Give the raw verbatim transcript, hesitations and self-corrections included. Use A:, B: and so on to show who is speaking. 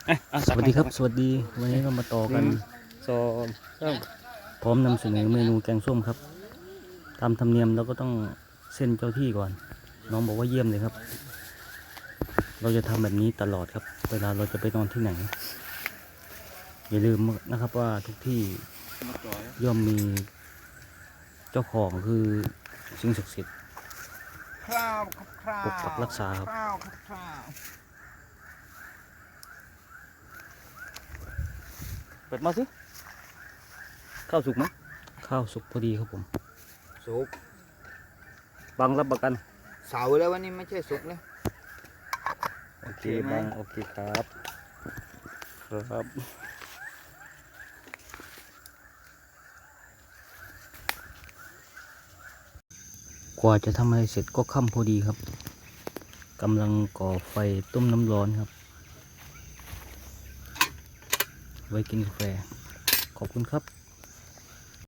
A: สวัสดีครับสวัสดีวันนี้เรามาต่อกัน
B: สองสาม
A: พร้อมนำเสนอเมนูแกงส้มครับตามธรรมเนียมเราก็ต้องเส้นเจ้าที่ก่อนน้องบอกว่าเยี่ยมเลยครับเราจะทำแบบนี้ตลอดครับเวลาเราจะไปนอนที่ไหนอย่าลืมนะครับว่าทุกที่ย่อมมีเจ้าของคือสิ่งศักดิ์สิทธิ์
C: คราวครับคราว
A: ปกปักรักษาครับ
C: คราวครับคราว
B: เปิดมาสิข้าวสุกไหม
A: ข้าวสุกพอดีครับผม
C: สุก
B: บังรับประกัน
C: เสาแล้ววันนี้ไม่ใช่สุกแล้ว
B: โอเค
C: โอเคไหม
B: บังโอเคครับครับ
A: กว่าจะทำอะไรเสร็จก็ค่ำพอดีครับกำลังก่อไฟต้มน้ำร้อนครับ ไว้กินกาแฟขอบคุณครับ